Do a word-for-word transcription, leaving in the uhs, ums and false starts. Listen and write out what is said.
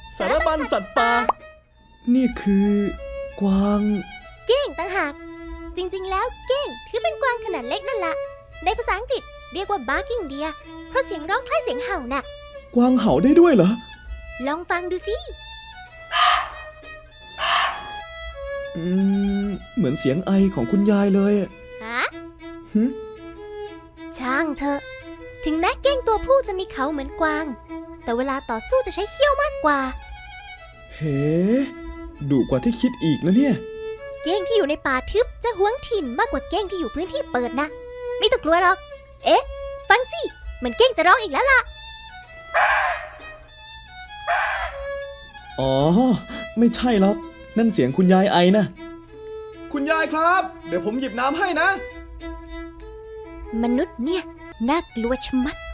สารบัญสัตว์ป่านี่คือกวางเก้งต่างหากจริงๆแล้วเก้งถือเป็นกวางขนาดเล็กนั่นละในภาษาอังกฤษเรียกว่า barking deer เพราะเสียงร้องคล้ายเสียงเห่าน่ะกวางเห่าได้ด้วยเหรอลองฟังดูสิอืมเหมือนเสียงไอของคุณยายเลยฮะหึช่างเถอะถึงแม้เก้งตัวผู้จะมีเขาเหมือนกวางแต่เวลาต่อสู้จะใช้เขี้ยวมากกว่าเฮ้ดุกว่าที่คิดอีกนะเนี่ยเก้งที่อยู่ในป่าทึบจะหวงถิ่นมากกว่าเก้งที่อยู่พื้นที่เปิดนะไม่ต้องกลัวหรอกเอ๊ะฟังสิเหมือนเก้งจะร้องอีกแล้วล่ะอ๋อไม่ใช่หรอกนั่นเสียงคุณยายไอนะคุณยายครับเดี๋ยวผมหยิบน้ำให้นะมนุษย์เนี่ยน่ากลัวชะมัด